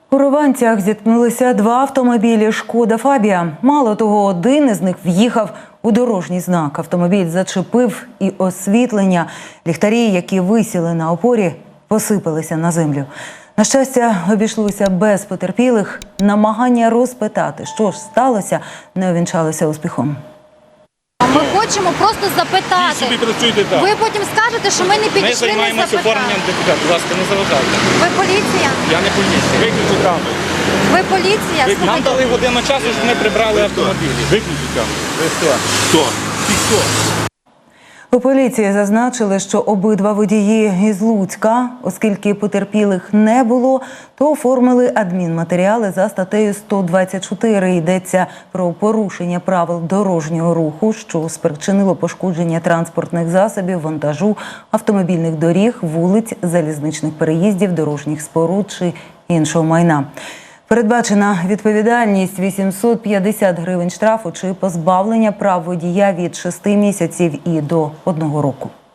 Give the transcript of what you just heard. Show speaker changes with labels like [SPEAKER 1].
[SPEAKER 1] У Рованцях зіткнулися два автомобілі «Шкода Фабія». Мало того, один із них в'їхав у дорожній знак. Автомобіль зачепив і освітлення. Ліхтарі, які висіли на опорі, посипалися на землю. На щастя, обійшлося без потерпілих. Намагання розпитати, що ж сталося, не увінчалося успіхом.
[SPEAKER 2] Ми хочемо просто запитати. Ви потім скажете, що ми не підійшли, не запитали.
[SPEAKER 3] Ми займаємося оформленням депутата. Будь ласка, не заважайте.
[SPEAKER 2] Ви поліція?
[SPEAKER 3] Я не поліція. Виключіть камеру.
[SPEAKER 2] Ви поліція?
[SPEAKER 3] Нам дали годину часу, щоб ми прибрали автомобілі. Виключіть камеру. Ви хто? Хто? Ти хто?
[SPEAKER 1] У поліції зазначили, що обидва водії із Луцька, оскільки потерпілих не було, то оформили адмінматеріали за статтею 124. Йдеться про порушення правил дорожнього руху, що спричинило пошкодження транспортних засобів, вантажу, автомобільних доріг, вулиць, залізничних переїздів, дорожніх споруд чи іншого майна. Передбачена відповідальність – 850 гривень штрафу чи позбавлення прав водія від 6 місяців і до 1 року.